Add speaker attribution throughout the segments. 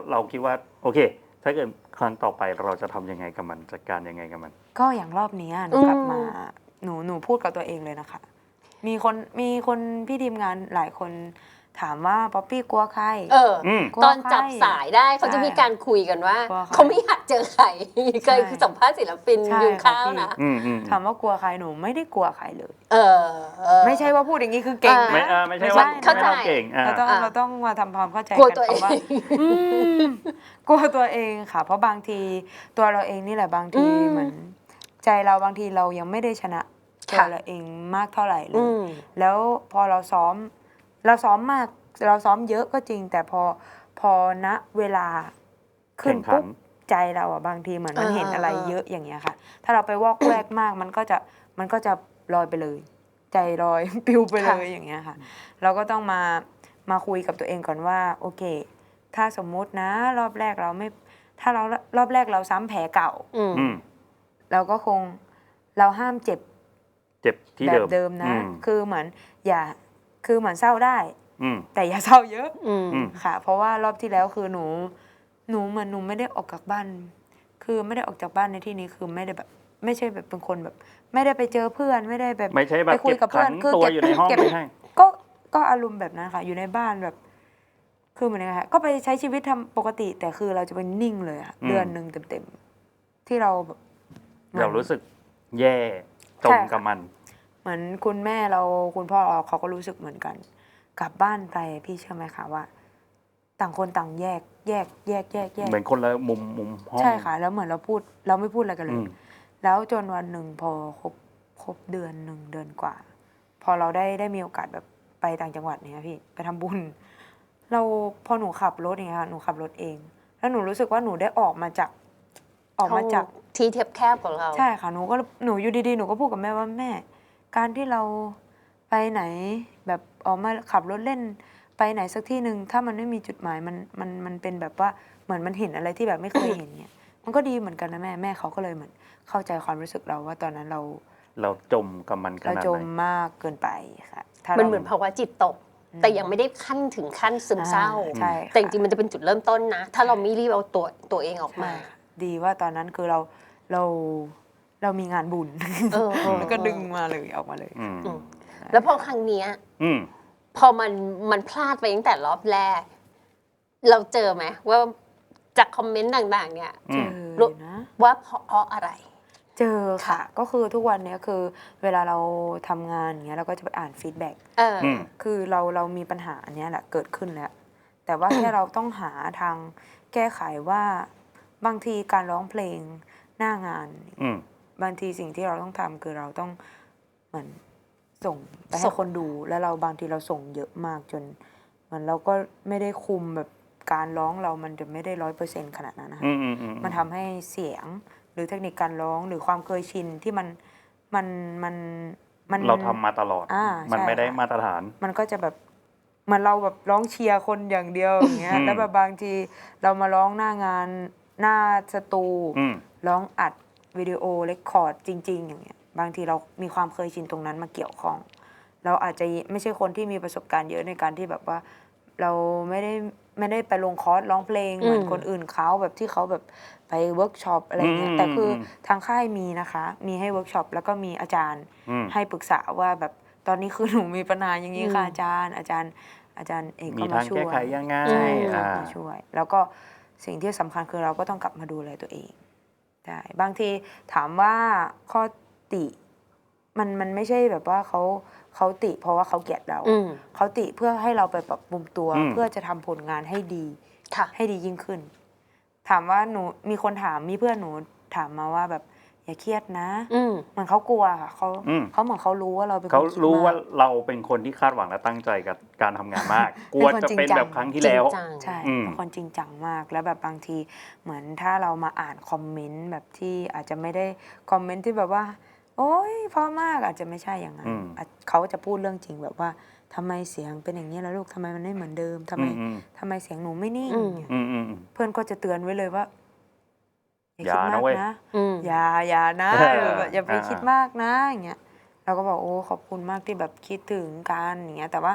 Speaker 1: เราคิดว่าโอเคถ้าเกิดครั้งต่อไปเราจะทำยังไงกับมันจัดการยังไงกับมัน
Speaker 2: ก็อย่างรอบนี้หนูกลับมาหนูพูดกับตัวเองเลยนะคะมีคนพี่ทีมงานหลายคนถามว่าป๊อปปี้กลัวใคร
Speaker 3: ตอนจับสายได้เขาจะมีการคุยกันว่าเขาไม่อยากเจอใครเคยสัมภาษณ์ศิลปินยุงข้าวนะ
Speaker 2: ถามว่ากลัวใครหนูไม่ได้กลัวใครเลยไม่ใช่ว่าพูดอย่างนี้คือเก่งนะ
Speaker 1: ไม่ใช่ว่าเราเก่ง
Speaker 2: เราต้องมาทำความเข้าใจ
Speaker 3: กลัวตัวเอง
Speaker 2: กลัวตัวเองค่ะเพราะบางทีตัวเราเองนี่แหละบางทีเหมือนใจเราบางทีเรายังไม่ได้ชนะตัวเราเองมากเท่าไหร่เลยแล้วพอเราซ้อมมากเราซ้อมเยอะก็จริงแต่พอณเวลาขึ้นปุ๊บใจเราอ่ะบางทีเหมือนมันเห็นอะไรเยอะอย่างเงี้ยค่ะถ้าเราไปวอกแวกมากมันก็จะลอยไปเลยใจลอยปิวไปเลยอย่างเงี้ยค่ะเราก็ต้องมาคุยกับตัวเองก่อนว่าโอเคถ้าสมมุตินะรอบแรกเราไม่ถ้าเรารอบแรกเราซ้ำแผลเก่าเราก็คงเราห้ามเจ็บ
Speaker 1: ที่
Speaker 2: แบบเดิมนะคือเหมือนคือเหมือนเศร้าได้แต่อย่าเศร้าเยอะค่ะเพราะว่ารอบที่แล้วคือหนูเหมือนหนูไม่ได้ออกจากบ้านคือไม่ได้ออกจากบ้านในที่นี้คือไม่ได้แบบไม่ใช่แบบเป็นคนแบบไม่ได้ไปเจอเพื่อนไม่ได้แบบ
Speaker 1: ไม่ใช่แบบ
Speaker 2: ไปคุยกับเพื่อน
Speaker 1: คือตัวอยู่ในห้องไม่ใช่
Speaker 2: ก็อารมณ์แบบนั้นค่ะอยู่ในบ้านแบบคือเหมือนไงคะก็ไปใช้ชีวิตทำปกติแต่คือเราจะเป็นนิ่งเลยค่ะเดือนหนึ่งเต็มๆที่เราแบบ
Speaker 1: เรารู้สึกแย่จมกับมัน
Speaker 2: เหมือนคุณแม่เราคุณพ่อเราเขาก็รู้สึกเหมือนกันกลับบ้านไปพี่เชื่อไหมคะว่าต่างคนต่างแยก
Speaker 1: เหมือนคนละมุมห้อง
Speaker 2: ใช่ค่ะแล้วเหมือนเราไม่พูดอะไรกันเลยแล้วจนวันหนึ่งพอครบเดือนหนึ่งเดือนกว่าพอเราได้มีโอกาสแบบไปต่างจังหวัดเนี่ยพี่ไปทำบุญพอหนูขับรถอย่างเงี้ยค่ะหนูขับรถเองแล้วหนูรู้สึกว่าหนูได้ออกมาจาก
Speaker 3: ที่แคบของเรา
Speaker 2: ใช่ค่ะหนูอยู่ดีๆหนูก็พูดกับแม่ว่าแม่การที่เราไปไหนแบบออกมาขับรถเล่นไปไหนสักที่หนึ่งถ้ามันไม่มีจุดหมายมันเป็นแบบว่าเหมือนมันเห็นอะไรที่แบบไม่เคยเห็นเนี่ยมันก็ดีเหมือนกันนะแม่เขาก็เลยเหมือนเข้าใจความรู้สึกเราว่าตอนนั้น
Speaker 1: เราจมกับมันขนาดไหน
Speaker 2: เราจมมากเกินไปค่ะ
Speaker 3: มันเหมือนภาวะจิตตกแต่ยังไม่ได้ขั้นถึงขั้นซึมเศร้าแต่จริงๆมันจะเป็นจุดเริ่มต้นนะถ้าเราไม่รีบเอาตัวเองออกมา
Speaker 2: ดีว่าตอนนั้นคือเรามีงานบุญแล้วก็ดึงมาเลยออกมาเลย
Speaker 3: แล้วพอครั้งนี้พอมันพลาดไปตั้งแต่รอบแรกเราเจอไหมว่าจากคอมเมนต์ต่างๆเนี่ย
Speaker 2: เจอนะ
Speaker 3: ว่าเพราะอะไร
Speaker 2: เจอค่ะก็คือทุกวันนี้คือเวลาเราทำงานอย่างเงี้ยเราก็จะไปอ่านฟีดแบ็กคือเรามีปัญหาอันนี้แหละเกิดขึ้นแล้วแต่ว่าแค่เราต้องหาทางแก้ไขว่าบางทีการร้องเพลงหน้างานบางทีสิ่งที่เราต้องทำคือเราต้องเหมือนส่งไปให้คนดูแล้วเราบางทีเราส่งเยอะมากจนเหมือนเราก็ไม่ได้คุมแบบการร้องเรามันจะไม่ได้100%ขนาดนั้นนะคะมันทำให้เสียงหรือเทคนิคการร้องหรือความเคยชินที่มัน
Speaker 1: เราทำมาตลอดมันไม่ได้มาตรฐาน
Speaker 2: มันก็จะแบบมันเราแบบร้องเชียร์คนอย่างเดียวอย่างเงี้ยแล้วแบบบางทีเรามาร้องหน้างานหน้าสตูร้องอัดวิดีโอเรคคอร์ดจริงๆอย่างเงี้ยบางทีเรามีความเคยชินตรงนั้นมาเกี่ยวข้องเราอาจจะไม่ใช่คนที่มีประสบการณ์เยอะในการที่แบบว่าเราไม่ได้ไปลงคอร์สร้องเพลงเหมือนคนอื่นเขาแบบที่เขาแบบไปเวิร์กช็อปอะไรเงี้ยแต่คือทางค่ายมีนะคะมีให้เวิร์กช็อปแล้วก็มีอาจารย์ให้ปรึกษาว่าแบบตอนนี้คือหนูมีปัญหาอย่างนี้ค่ะอาจารย์เอกก็มาช่วย
Speaker 1: มีทางแก้ไขยังไง
Speaker 2: มาช่วยแล้วก็สิ่งที่สำคัญคือเราก็ต้องกลับมาดูแลตัวเองได้บางทีถามว่าข้อติมันไม่ใช่แบบว่าเขาติเพราะว่าเขาเกลียดเราเขาติเพื่อให้เราไปปรับปรุงตัวเพื่อจะทำผลงานให้ดียิ่งขึ้นถามว่าหนูมีคนถามมีเพื่อนหนูถามมาว่าแบบอย่าเครียดนะเหมือนเขากลัวค่ะเขาเหมือนเขารู้ว่าเราเป็นคนคิดมาก
Speaker 1: เขารู้ว่าเราเป็นคนที่คาดหวังและตั้งใจกับการทำงานมากกลัวจะเป็นแบบครั้งที่แล้ว
Speaker 2: ใช่เป็นคนจริงจังมากแล้วแบบบางทีเหมือนถ้าเรามาอ่านคอมเมนต์แบบที่อาจจะไม่ได้คอมเมนต์ที่แบบว่าโอ๊ยเพราะมากอาจจะไม่ใช่อย่างนั้นเขาจะพูดเรื่องจริงแบบว่าทำไมเสียงเป็นอย่างนี้แล้วลูกทำไมมันไม่เหมือนเดิมทำไมเสียงหนูไม่นิ่งเพื่อนก็จะเตือนไว้เลยว่าอย่าคิดมากนะอย่านะอย่าไปคิดมากนะอย่างเงี้ยเราก็บอกโอ้ขอบคุณมากที่แบบคิดถึงกันอย่างเงี้ยแต่ว่า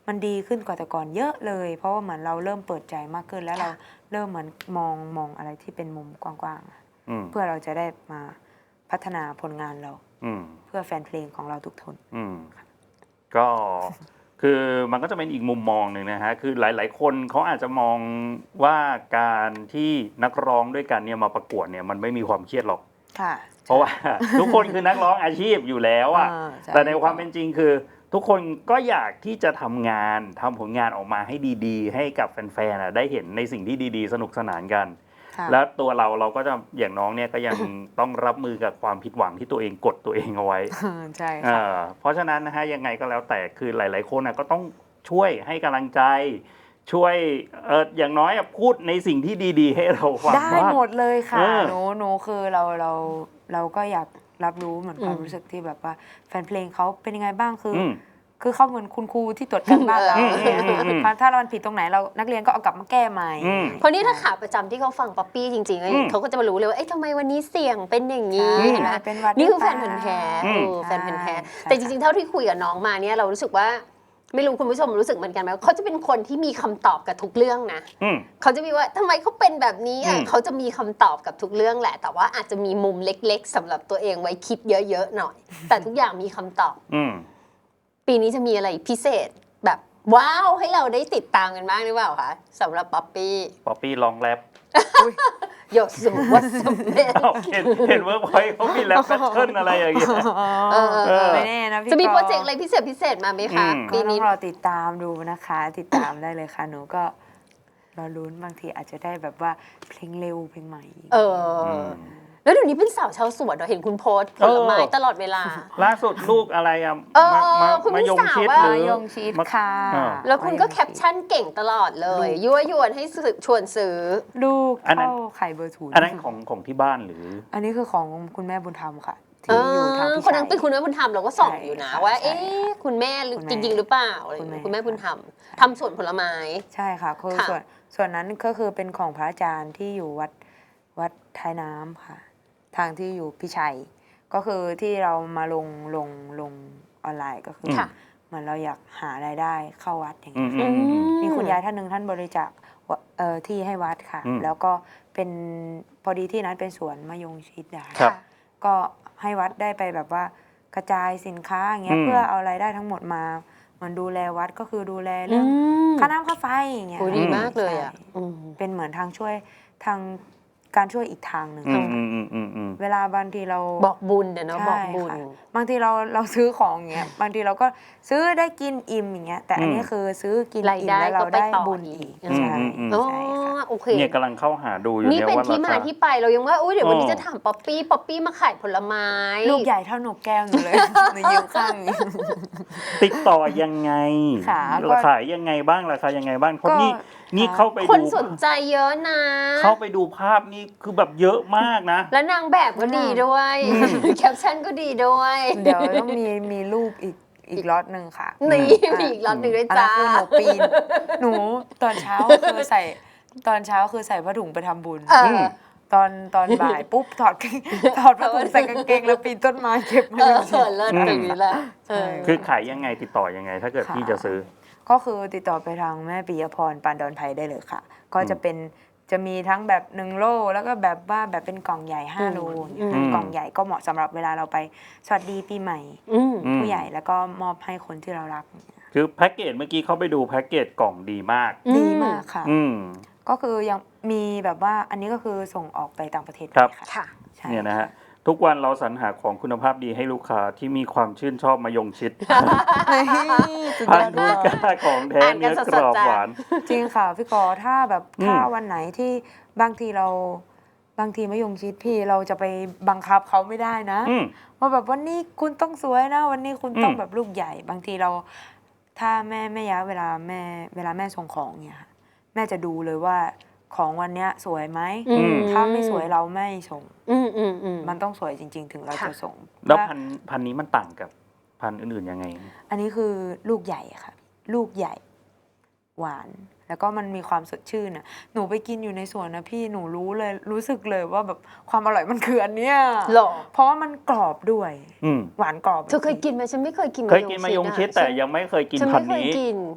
Speaker 2: มันดีขึ้นกว่าแต่ก่อนเยอะเลย เพราะว่าเหมือนเราเริ่มเปิดใจมากขึ้นแล้วเราเริ่มเหมือนมองอะไรที่เป็นมุมกว้างๆเพื่อเราจะได้มาพัฒนาผลงานเราเพื่อแฟนเพลงของเราทุกคน
Speaker 1: ก็คือมันก็จะเป็นอีกมุมมองหนึ่งนะฮะคือหลายๆคนเขาอาจจะมองว่าการที่นักร้องด้วยกันเนี่ยมาประกวดเนี่ยมันไม่มีความเครียดหรอกเพราะว่าทุกคนคือนักร้องอาชีพอยู่แล้วอ่ะแต่ในความเป็นจริงคือทุกคนก็อยากที่จะทำงานทำผลงานออกมาให้ดีๆให้กับแฟนๆได้เห็นในสิ่งที่ดีๆสนุกสนานกันแล้วตัวเราก็จะอย่างน้องเนี่ยก็ยังต้องรับมือกับความผิดหวังที่ตัวเองกดตัวเองเอาไว้
Speaker 2: ใช่ค่ะ
Speaker 1: เพราะฉะนั้นนะฮะยังไงก็แล้วแต่คือหลายๆคนก็ต้องช่วยให้กำลังใจช่วยอย่างน้อยพูดในสิ่งที่ดีๆให้เราฟัง
Speaker 2: ได้หมดเลยค่ะหนูคือเราก็อยากรับรู้เหมือนความรู้สึกที่แบบว่าแฟนเพลงเขาเป็นยังไงบ้างคือเขาเหมือนคุณครูที่ตรวจการบ้านเราถ้าเราผิดตรงไหนเรานักเรียนก็เอากลับมาแก้ใหม่
Speaker 3: เพราะนี่ถ้าขาประจำที่เขาฟังป๊อปปี้จริงๆเขาก็จะมารู้เลยว่าทำไมวันนี้เสียงเป็นอย่างนี้เห็นไหมนี่คือแฟนพันธุ์แท้แฟนพันธุ์แท้แต่จริงๆเท่าที่คุยกับน้องมาเนี่ยเรารู้สึกว่าไม่รู้คุณผู้ชมรู้สึกเหมือนกันไหมเขาจะเป็นคนที่มีคำตอบกับทุกเรื่องนะเขาจะมีว่าทำไมเขาเป็นแบบนี้เขาจะมีคำตอบกับทุกเรื่องแหละแต่ว่าอาจจะมีมุมเล็กๆสำหรับตัวเองไว้คิดเยอะๆหน่อยแต่ทุกอย่างมีคำตอบปีนี้จะมีอะไรพิเศษแบบว้าวให้เราได้ติดตามกันบ้างหรือเปล่าคะสำหรับป๊อปปี้
Speaker 1: ลองแรป
Speaker 3: โยสุวัสเมน
Speaker 1: เห็นเวิร์กพอยต์เขามีแรปแพทเทิร์นอะไรอย่างเงี้ย
Speaker 2: ไม่แน่นะพี่
Speaker 3: จะมีโปรเจกต์อะไรพิเศษมาไหมคะ
Speaker 2: ปีนี้รอติดตามดูนะคะติดตามได้เลยค่ะหนูก็รอลุ้นบางทีอาจจะได้แบบว่าเพลงเร็วเพลงใหม่
Speaker 3: แล้วเดี๋ยวนี้เป็นสาวชาวสวนเราเห็นคุณโพสผลไม้ตลอดเวลา
Speaker 1: ล่าสุดลูกอะไรมายงชิด
Speaker 2: มายงชิดค่ะ
Speaker 3: แล้วคุณก็แคปชั่นเก่งตลอดเลยยั่วยวนให้ชวนซื้อ
Speaker 2: ลูกเข้าไข่เบอร์0
Speaker 1: อันนั้นของที่บ้านหรือ
Speaker 2: อันนี้คือของคุณแม่บุญธรรมค่ะที่อยู่ทางพี่ชาย
Speaker 3: คนนั้นเป็นคุณแม่บุญธรรมเราก็ส่องอยู่นะว่าคุณแม่จริงๆหรือเปล่าคุณแม่บุญธรรมทำสวนผลไม้
Speaker 2: ใช่ค่ะคือส่วนนั้นก็คือเป็นของพระอาจารย์ที่อยู่วัดท้ายน้ำค่ะทางที่อยู่พี่ชัยก็คือที่เรามาลงออนไลน์ก็คือเหมือนเราอยากหารายได้เข้าวัดอย่างเงี้ยมีคุณยายท่านหนึ่งท่านบริจาคที่ให้วัดค่ะแล้วก็เป็นพอดีที่นั้นเป็นสวนมะยงชิดนะคะก็ให้วัดได้ไปแบบว่ากระจายสินค้าอย่างเงี้ยเพื่อเอารายได้ทั้งหมดมามันดูแลวัดก็คือดูแลเรื่องค่าน้ำค่าไฟอย่างเงี้ย
Speaker 3: ดีมากเลยอ่ะ
Speaker 2: เป็นเหมือนทางช่วยทางการช่วยอีกทางหนึ่งเวลาบางทีเรา
Speaker 3: บอกบุญเนาะบอกบุญ
Speaker 2: บางทีเราซื้อของอย่างเงี้ยบางทีเราก็ซื้อได้กินอิ่มอย่างเงี้ยแต่อันนี้คือซื้อกินอิ่มแล้วเราได้บุญอีกใช่
Speaker 3: โอเค
Speaker 1: เนี่ยกำลังเข้าหาดูอยู่
Speaker 3: นี่เป็นที่มาที่ไปเรายังว่าเดี๋ยววันนี้จะถามป๊อปปี้มาขายผลไม้
Speaker 2: ลูกใหญ่เท่าหนูแก้วอยู่เลยในยืมข้าง
Speaker 1: ติดต่อยังไงขายยังไงบ้างราคายังไงบ้างเพราะนี่เข้าไปดู
Speaker 3: คนสนใจเยอะนะ
Speaker 1: เข้าไปดูภาพนี่คือแบบเยอะมากนะ
Speaker 3: แล้วนางแบบก็ดีด้วยแคปชั่นก็ดีด้วย
Speaker 2: เดี๋ยวต้องมีรูปอีกล็อตหนึ่งค่ะ
Speaker 3: นี่มีอีกล็อตหนึ่งด้วยจ้า
Speaker 2: คือหนูปีนหนูตอนเช้าคือใส่ผ้าถุงไปทำบุญตอนบ่ายปุ๊บถอดผ้าถุงใส่กางเกงแล้วปีนต้นไม้เก็บมา
Speaker 3: เลิศตรงนี้แหละ
Speaker 1: คือขายยังไงติดต่อยังไงถ้าเกิดพี่จะซื้อ
Speaker 2: ก็คือติดต่อไปทางแม่ปิยพรปานดอนไผ่ได้เลยค่ะก็จะมีทั้งแบบ1 โลแล้วก็แบบว่าแบบเป็นกล่องใหญ่5 โลกล่องใหญ่ก็เหมาะสำหรับเวลาเราไปสวัสดีปีใหม่ผู้ใหญ่แล้วก็มอบให้คนที่เรารัก
Speaker 1: คือแพ็กเกจเมื่อกี้เขาไปดูแพ็กเกจกล่องดีมาก
Speaker 2: ค่ะก็คือยังมีแบบว่าอันนี้ก็คือส่งออกไปต่างประเทศ
Speaker 3: ค่ะ
Speaker 1: เนี่ยนะฮะทุกวันเราสรรหาของคุณภาพดีให้ลูกค้าที่มีความชื่นชอบมายงชิดพันธุ์กล้าของแท้เนื้อกรอบหวาน
Speaker 2: จริงค่ะพี่กอถ้าวันไหนที่บางทีมายงชิดพี่เราจะไปบังคับเขาไม่ได้นะว่าแบบวันนี้คุณต้องสวยนะวันนี้คุณต้องแบบลูกใหญ่บางทีเราถ้าแม่ยะเวลาแม่ส่งของเนี่ยค่ะแม่จะดูเลยว่าของวันเนี้ยสวยไหมถ้าไม่สวยเราไม่ส่งมันต้องสวยจริงๆถึงเราจะส่ง
Speaker 1: แล้วพันนี้มันต่างกับพันอื่นๆยังไง
Speaker 2: อันนี้คือลูกใหญ่ค่ะลูกใหญ่หวานแล้วก็มันมีความสดชื่นน่ะหนูไปกินอยู่ในสวนนะพี่หนูรู้สึกเลยว่าแบบความอร่อยมันคืออันเนี้ยเพราะว่ามันกรอบด้วยหวานกรอบ
Speaker 3: เธอเคยกินไหมฉันไม่เคยกิน
Speaker 1: มายงชิดแต่ยังไม่เคยกินพันนี้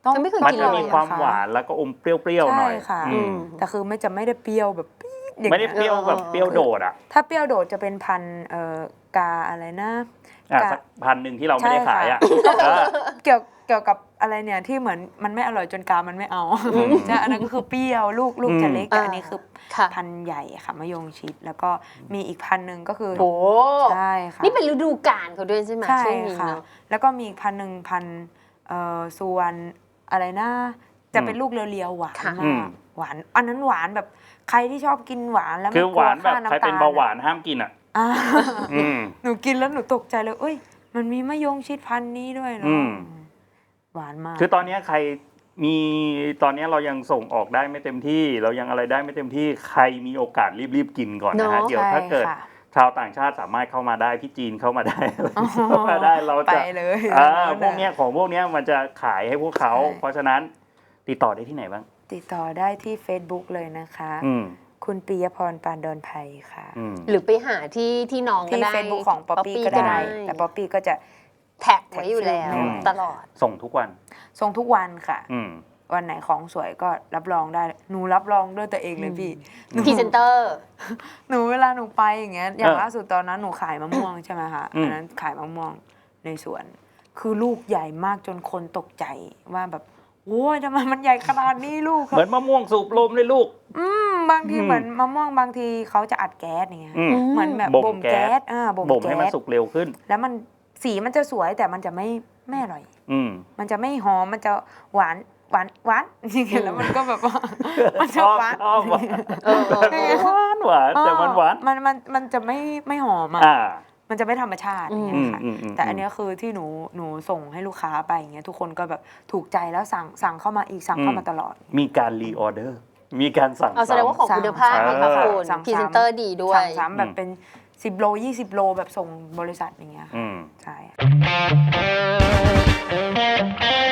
Speaker 2: ต้อง
Speaker 3: ยังไม่เคย
Speaker 1: มัน
Speaker 3: กิน
Speaker 1: จะ
Speaker 3: เลย
Speaker 1: มีความหวานแล้วก็อมเปรี้ยวๆหน่อย
Speaker 2: ใช่ค่ะ
Speaker 1: อืม
Speaker 2: แต่คือไม่ได้เปรี้ยวแบบปี๊ดอย่าง
Speaker 1: ไม่ได้
Speaker 2: เงี้ย
Speaker 1: เปรี้ยวแบบเปรี้ยวโดดอ่ะ
Speaker 2: ถ้าเปรี้ยวโดดจะเป็นพันธุ์กาอะไรนะ
Speaker 1: สักพันหนึ่งที่เราไม่ได้ขายอ่ะ
Speaker 2: เกี่ยวกับอะไรเนี่ยที่เหมือนมันไม่อร่อยจนกามันไม่เอาใช่อันนั้นก็คือเปรี้ยวลูกจะเล็กแต่อันนี้คือ
Speaker 3: ค่ะ
Speaker 2: พันธุ์ใหญ่ค่ะมะยงชิดแล้วก็มีอีกพันธุ์หนึ่งก็คือ
Speaker 3: โอ้
Speaker 2: ใช่ค่ะ
Speaker 3: นี่เป็นฤดูกาลเขาด้วยใช่ไหม
Speaker 2: ใช่
Speaker 3: ช่วงนี้
Speaker 2: ค่ะ
Speaker 3: เนาะ
Speaker 2: แล้วก็มีอีกพันธุ์หนึ่งพันธุ์สุวรรณอะไรนะจะเป็นลูกเรียวๆหวาน
Speaker 3: ค่ะ
Speaker 2: มากหวานอันนั้นหวานแบบใครที่ชอบกินหวานแล้ว
Speaker 1: คือ
Speaker 2: ไม่
Speaker 1: ห
Speaker 2: กลัว
Speaker 1: วานแบบ
Speaker 2: ค่า
Speaker 1: ใคร
Speaker 2: น้ำตา
Speaker 1: เป็น
Speaker 2: ล
Speaker 1: เบาหวานห้ามกินอ่ะ
Speaker 2: อ่า
Speaker 1: อืม
Speaker 2: หนูกินแล้วหนูตกใจเลยเอ้ยมันมีมะยงชิดพันธุ์นี้ด้วยเหรอ
Speaker 1: อืม
Speaker 2: หวานมาก
Speaker 1: คือตอนนี้ใครมีตอนนี้เรายังส่งออกได้ไม่เต็มที่ เรายังอะไรได้ไม่เต็มที่ใครมีโอกาสรีบๆกินก่อนนะฮะ
Speaker 3: เนอะ
Speaker 1: เดี๋ยวถ้าเกิด
Speaker 2: ใช่ค่ะ
Speaker 1: ชาวต่างชาติสามารถเข้ามาได้พี่จีนเข้ามาได้เข้ามาได้เรา
Speaker 2: ไป
Speaker 1: จะ
Speaker 2: เลย
Speaker 1: พวกเนี้ยของพวกเนี้ยมันจะขายให้พวกเขา
Speaker 2: ใช่
Speaker 1: เพราะฉะนั้นติดต่อได้ที่ไหนบ้าง
Speaker 2: ติดต่อได้ที่ Facebook เลยนะคะ
Speaker 1: อืม
Speaker 2: คุณปิยพรปานดอนไพค่ะ
Speaker 1: อืม
Speaker 3: หรือไปหาที่น้องก็
Speaker 2: ที่
Speaker 3: ได้
Speaker 2: Facebook ของป๊อปปี้ก็ได้ แต่ป๊อปปี้ก็จะ
Speaker 3: แท็กไว้อยู่แล้ว
Speaker 1: อืม
Speaker 3: ตลอด
Speaker 1: ส่งทุกวัน
Speaker 2: ส่งทุกวันค่ะ
Speaker 1: อืม
Speaker 2: วันไหนของสวยก็รับรองได้ หนูรับรองด้วยตัวเองเลยพี่หนู
Speaker 3: พรีเซนเตอร์
Speaker 2: หนูเวลาหนูไปอย่างเงี้ย อย่าง
Speaker 1: เออ
Speaker 2: ล่าสุดตอนนั้นหนูขายมะม่วงใช่ไหมคะ
Speaker 1: อืม
Speaker 2: อันนั้นขายมะม่วงในสวน คือลูกใหญ่มากจนคนตกใจว่าแบบโอ้ยทำไมมันใหญ่ขนาดนี้ลูก
Speaker 1: เหมือนมะม่วงสูบลมเลยลูก
Speaker 2: บางที
Speaker 1: อืม
Speaker 2: เหมือนมะม่วงบางทีเขาจะอัดแก๊สอย่างเงี้ย
Speaker 1: อืม
Speaker 2: เหมือนแบบ
Speaker 1: บ่ม
Speaker 2: บ่ม
Speaker 1: แก๊
Speaker 2: แก๊
Speaker 1: ส
Speaker 2: สบ่ม
Speaker 1: บ่มให้มัน
Speaker 2: แก๊ส
Speaker 1: สุกเร็วขึ้น
Speaker 2: แล้วมันสีมันจะสวยแต่มันจะไม่อร่อย
Speaker 1: อืม
Speaker 2: มันจะไม่หอมมันจะหวานจริงๆแล้วมันก็แบบว่ามันจะหวาน
Speaker 1: ชอบหวาน
Speaker 3: เออ
Speaker 1: หวานแต่มันหวาน
Speaker 2: มันจะไม่หอมอ่ะ
Speaker 1: อ่า
Speaker 2: มันจะไม่ธรรมชาติอย่างเงี้ยค่ะ
Speaker 1: อืม
Speaker 2: แต่อันเนี้ยคือที่หนูส่งให้ลูกค้าไปอย่างเงี้ยทุกคนก็แบบถูกใจแล้วสั่งเข้ามาอีกสั่งเข้ามาตลอด
Speaker 1: มีการรีออเดอร์ มีการสั่ง
Speaker 3: เอาแสดงว่าของคุณภาพ
Speaker 1: ซ้ำ
Speaker 3: นะคะคุณ
Speaker 2: สั่ง
Speaker 3: พรีเซนเตอร์ดีด้วย
Speaker 2: สั่งซ้ำแบบเป็น10 โล 20 โลแบบส่งบริษัทอย่างเงี้ยค่ะ
Speaker 1: อืม
Speaker 2: ใช่